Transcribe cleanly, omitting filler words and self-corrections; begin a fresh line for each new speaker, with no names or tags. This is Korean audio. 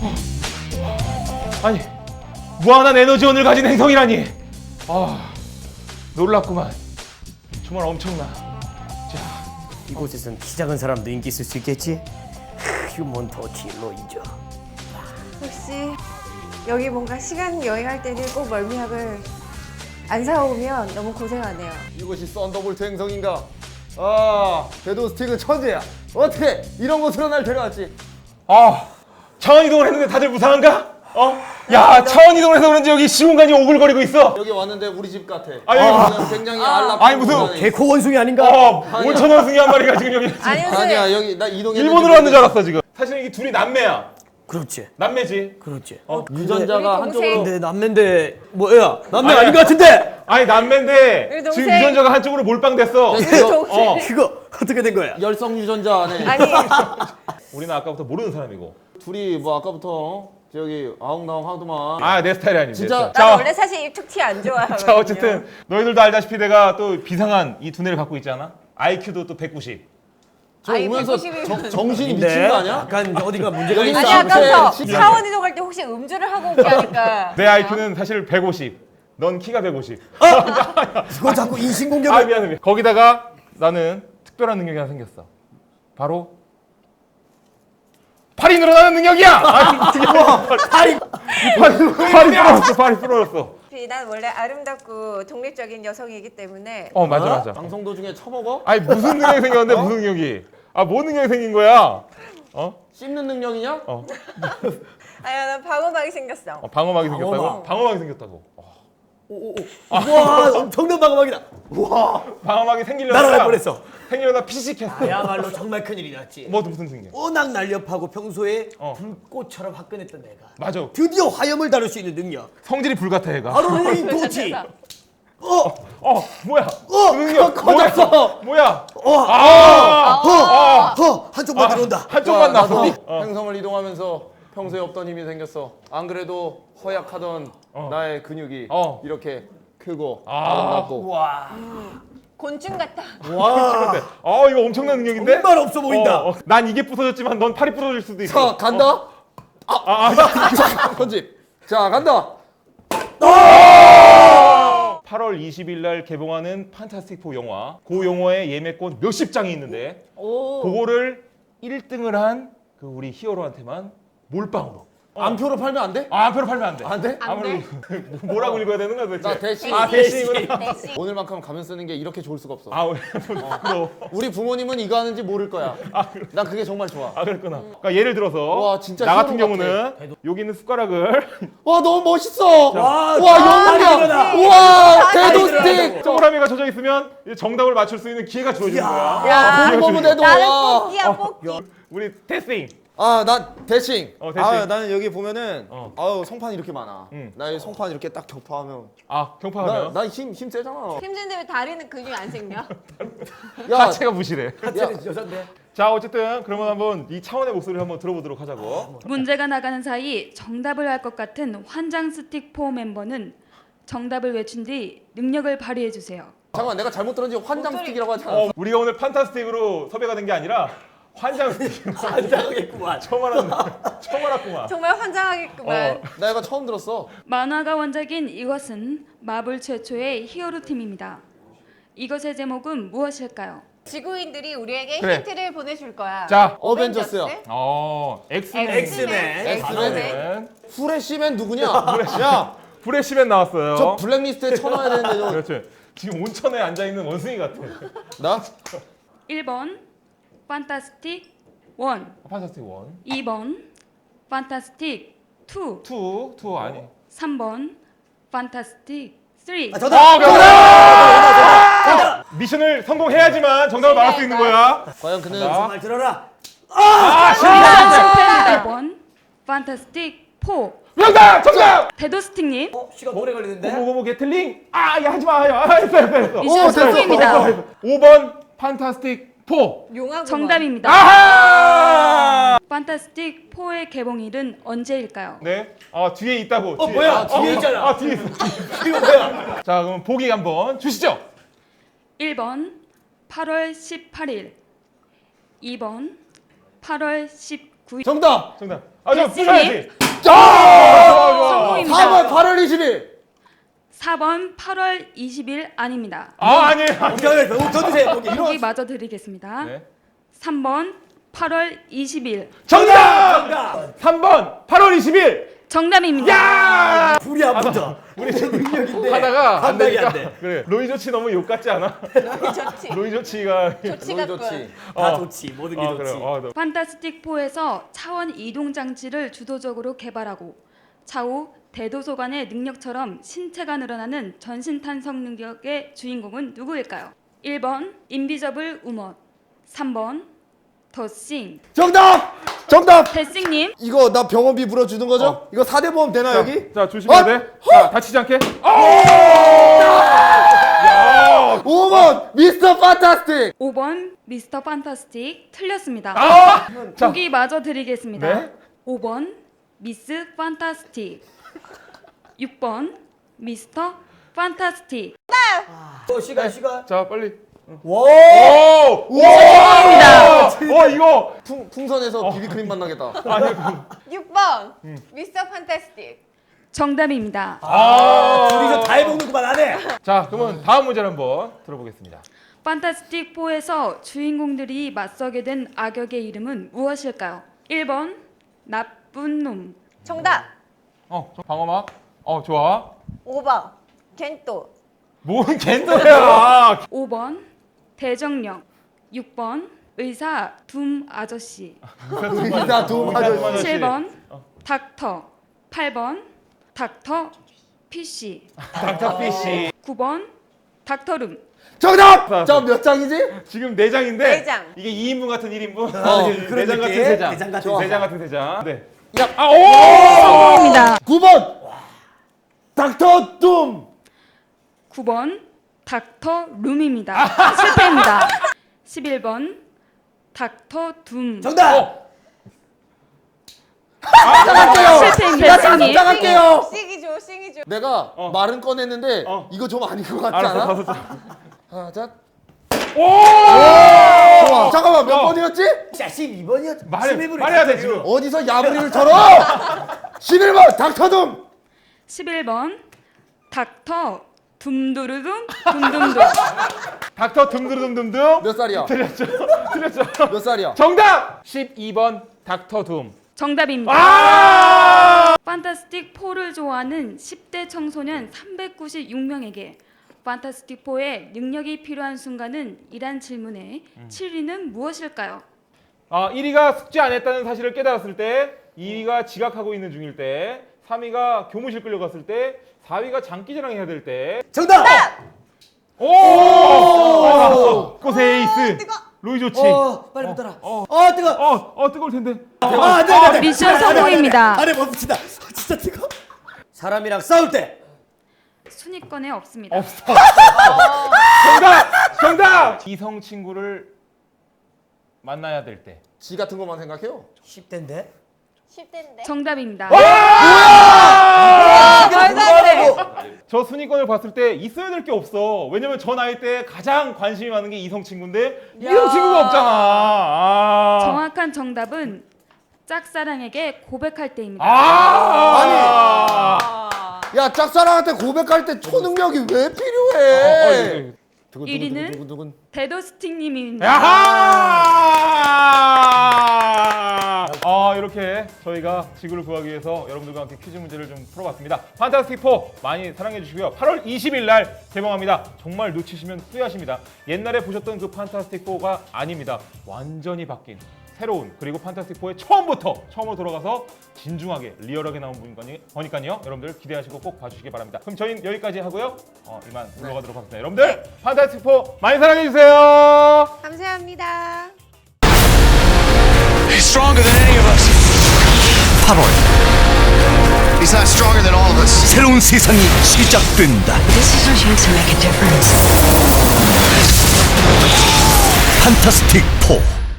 아니, 무한한 에너지원을 가진 행성이라니. 아, 놀랍구만. 정말 엄청나.
이곳에선 키 작은 사람도 인기 있을 수 있겠지? 휴먼 터치 로이저.
혹시 여기 뭔가 시간 여행할 때는 꼭 멀미약을 안 사오면 너무 고생하네요.
이곳이 썬더볼트 행성인가? 아, 궤도 스틱은 천재야. 어떻게 이런 곳으로 날 데려왔지?
아, 차원 이동을 했는데 다들 무상한가? 야, 차원 이동을 해서 그런지 여기 시공간이 오글거리고 있어.
여기 왔는데 우리 집 같아.
아니,
굉장히 안락한
아니, 무슨
공간에
개코 원숭이 아닌가?
5,000원숭이 한 마리가 지금 여기
아니 무슨
아니야, 여기 나 이동했는데
일본으로 왔는 줄 알았어 지금. 사실 이게 둘이 남매야.
그렇지.
남매지.
그렇지.
유전자가
우리 동생.
한쪽으로
근데 남매인데 뭐야? 남매
아니,
아닌 것 같은데?
아니 남매인데
우리
지금
동생.
유전자가 한쪽으로 몰빵됐어.
그거 어떻게 된 거야?
열성 유전자 안에
아니
우리는 아까부터 모르는 사람이고.
둘이 뭐 아까부터 저기 아웅다웅 하더만.
아, 내 스타일이 아닙니다.
진짜?
내 스타일.
나는
자,
원래 사실 입툭 티 안 좋아하거든요.
자, 어쨌든 너희들도 알다시피 내가 또 비상한 이 두뇌를 갖고 있지 않아? IQ도 또 190.
저
아니,
오면서
190이면
정신이 미친 거 아니야?
약간 어디가 문제가
여기
있어.
아니
싸움
아까부터
때
차원 이동할 때 혹시 음주를 하고 오게 하니까
내 IQ는 사실 150. 넌 키가 150.
그거 자꾸
아,
인신공격을.
미안해. 거기다가 나는 특별한 능력이 하나 생겼어. 바로 팔이 늘어나는 능력이야. 팔이 부러졌어. 팔이 부러졌어.
난 원래 아름답고 독립적인 여성이기 때문에
맞아 맞아.
방송 도중에 처먹어?
아니 무슨 능력이 생겼는데 무슨 능력이? 뭔 능력이 생긴 거야?
씹는 능력이냐?
아니 난 방어막이 생겼어.
방어막이 생겼다고?
방어막.
방어막이 생겼다고.
와, 엄청난 방어막이다.
방어막이 생기려다
날아갈 뻔했어.
생기려다 피식했어.
야말로 정말 큰일이 났지.
뭐 무슨 생겨?
워낙 날렵하고 평소에 불꽃처럼 화끈했던 내가
맞아.
드디어 화염을 다룰 수 있는 능력.
성질이 불같아 얘가.
바로 레인 도치.
뭐야? 그 능력
커졌어.
뭐야?
한쪽만 들어온다.
한쪽만 나서.
행성을 이동하면서 평소에 없던 힘이 생겼어. 안 그래도 허약하던 나의 근육이 이렇게 크고 아름답고.
와,
곤충 같다.
와. 이거 엄청난 능력인데?
정말 없어 보인다.
난 이게 부서졌지만 넌 팔이 부서질 수도 있어.
자, 간다. 편집. 자, 간다.
8월 20일 날 개봉하는 판타스틱 4 영화. 그 영화의 예매권 몇십 장이 있는데 그거를 1등을 한 그 우리 히어로한테만 몰빵으로.
안표로 팔면 안 돼?
안표로 팔면 안 돼.
안 돼?
아무래도 뭐라고 읽어야 되는 거야 도대체?
나 대신.
대신이구나.
대신.
오늘만큼 가면 쓰는 게 이렇게 좋을 수가 없어.
그럼.
우리 부모님은 이거 하는지 모를 거야. 난 그게 정말 좋아.
그랬구나. 그러니까 예를 들어서
와, 진짜
나 같은
히어로
경우는 여기 있는 숟가락을
와, 너무 멋있어.
와,
영웅이야. 우와, 대도 스틱.
동그라미가 젖어 있으면 이제 정답을 맞출 수 있는 기회가 주어지는 거야.
야,
너무 대도.
나는
와.
뽑기야 뽑기.
우리 테스팅.
나 대칭.
대칭.
나는 여기 보면은 성판 이렇게 많아.
응.
나 이 성판 이렇게 딱 격파하면
경파하면
나힘 세잖아.
힘든데 왜 다리는 근육이 안 생겨?
야,
하체가 부실해.
여잔데.
자, 어쨌든 그러면 한번 이 차원의 목소리를 한번 들어보도록 하자고.
문제가 나가는 사이 정답을 알 것 같은 환장 스틱 4 멤버는 정답을 외친 뒤 능력을 발휘해 주세요.
잠깐만, 내가 잘못 들었는지 환장 스틱이라고 하잖아.
우리가 오늘 판타스틱으로 섭외가 된 게 아니라 환장 스틱.
한장하겠구만.
처음 알았구만.
정말 환장하겠구만.
나 이거 처음 들었어.
만화가 원작인 이것은 마블 최초의 히어로 팀입니다. 이것의 제목은 무엇일까요?
지구인들이 우리에게
그래.
힌트를 보내줄 거야.
자,
어벤져스야.
엑스맨.
엑스맨. 후레쉬맨 누구냐? 야,
브레시맨 나왔어요.
저 블랙리스트에 쳐넣어야 되는데 너.
그렇지. 지금 온천에 앉아 있는 원숭이 같아.
나?
1번 판타스틱 1,
판타스틱 1.
2번 판타스틱 2,
2 아니.
3번 판타스틱 3.
미션을 성공해야지만 정답을 말할 수 있는 거야.
과연 그는
정말 들어라.
실패입니다. 1번 판타스틱 4.
정답!
데도스틱님
시간 오래 걸리는데.
고모 게틀링. 야 하지 마. 했어.
미션 성공입니다.
5번 판타스틱 4.
용하고
정답입니다.
아하!
판타스틱 4의 개봉일은 언제일까요?
네. 뒤에 있다고. 뒤에.
뭐야? 뒤에 있잖아.
뒤에 있어.
이거 뭐야?
자, 그럼 보기 한번 주시죠.
1번 8월 18일, 2번 8월 19일,
정답.
정답. 저 부셔야지.
성공입니다.
4번 8월 20일.
4번 8월 20일 아닙니다.
아니에요.
오케이, 더 드세요. 오케이.
보기 마저 드리겠습니다.
네.
3번 8월 20일.
정답! 3번 8월 20일.
정답입니다.
야!
불이 아프다.
우리
능력인데
하다가 안
감당이 안
되니까.
돼.
그래. 로이 조치 너무 욕 같지 않아?
좋지.
로이 조치가
좋지
너무
같군.
좋지.
다 좋지. 모든 게
그래.
좋지.
너-
판타스틱 4에서 차원 이동 장치를 주도적으로 개발하고 차후 대도서관의 능력처럼 신체가 늘어나는 전신 탄성 능력의 주인공은 누구일까요? 1번 인비저블 우먼, 3번 더싱.
정답! 정답!
데싱님
이거 나 병원비 물어주는 거죠? 이거 4대 보험 되나
자,
여기?
자, 조심해야 돼. 자, 다치지 않게.
5번 미스터 판타스틱.
5번 미스터 판타스틱 틀렸습니다.
자,
보기 마저 드리겠습니다.
네.
5번 미스 판타스틱, 6번 미스터 판타스틱.
시간.
자, 빨리.
와.
오!
입니다.
이거
풍선에서 비비크림 만나겠다.
아니
6번 미스터 판타스틱.
정답입니다.
둘이서 다 해먹는 그만 안 해.
자, 그러면 다음 문제를 한번 들어보겠습니다.
판타스틱 4에서 주인공들이 맞서게 된 악역의 이름은 무엇일까요? 1번 나쁜 놈,
정답.
방어막. 좋아.
5번 겐또.
뭔 겐더야?
5번 대정령, 6번 의사 둠 아저씨,
이다 도움 아저씨.
7번 닥터, 8번 닥터 피쉬,
닥터피쉬.
9번 닥터룸.
정답! 저 몇 장이지?
지금 4장인데
네 장.
이게 2인분 같은 1인분.
그런
4장 같은
느낌.
3장.
내장 같은
네
세
장 같은 3장. 네.
야.
성공입니다.
9번 닥터 둠.
9번 닥터 룸입니다. 실패입니다. 11번 닥터 둠.
정답.
실패입니다. 승리.
부탁할게요.
씩이죠 씩이죠.
내가 말은 꺼냈는데 이거 좀 아닌 것 같지 않아?
알았어.
하나, 자.
오!
좋아. 잠깐만 몇 번이었지?
자, 12번이었죠.
말해야 돼 지금.
어디서 야부리를 털어? 11번 닥터 둠.
11번 닥터 둠두루둠 둠둠둠.
닥터 둠두둠둠둠.
몇 살이야?
틀렸죠.
몇 살이야?
정답. 12번 닥터 둠.
정답입니다. 판타스틱 4를 좋아하는 10대 청소년 396명에게 판타스틱 4의 능력이 필요한 순간은 이란 질문에 7위는 무엇일까요?
1위가 숙제 안 했다는 사실을 깨달았을 때, 2위가 지각하고 있는 중일 때, 3위가 교무실 끌려갔을 때, 4위가 장기자랑 해야 될 때.
정답.
오! 꽃의 에이스. 로이 조치.
빨리 붙어라. 뜨거.
뜨거울 텐데.
안 돼.
미션 성공입니다.
안에 멈춘다. 진짜 뜨거. 사람이랑 싸울 때.
순위권에 없습니다.
없어. 정답. 이성 친구를 만나야 될 때.
지 같은 것만 생각해요.
10대인데.
10대인데.
정답입니다.
말도 안 돼.
저 순위권을 봤을 때 있어야 될 게 없어. 왜냐면 저 나이 때 가장 관심이 많은 게 이성 친구인데 이성 친구가 없잖아.
정확한 정답은 짝사랑에게 고백할 때입니다.
야 짝사랑한테 고백할 때 초능력이 왜 필요해?
1위는 데도스틱님입니다.
야하! 이렇게 저희가 지구를 구하기 위해서 여러분들과 함께 퀴즈 문제를 좀 풀어봤습니다. 판타스틱 4 많이 사랑해 주시고요. 8월 20일 날 개봉합니다. 정말 놓치시면 후회하십니다. 옛날에 보셨던 그 판타스틱 4가 아닙니다. 완전히 바뀐 새로운, 그리고 판타스틱 4의 처음으로 돌아가서 진중하게 리얼하게 나온 거니까요. 여러분들 기대하시고 꼭 봐주시기 바랍니다. 그럼 저희는 여기까지 하고요. 이만 물러가도록 하겠습니다. 여러분들 판타스틱 4 많이 사랑해 주세요.
감사합니다.
He's stronger than any of us.
8월
He's not stronger than all of us.
새로운 세상이 시작된다.
This is our chance to make a difference.
판타스틱 4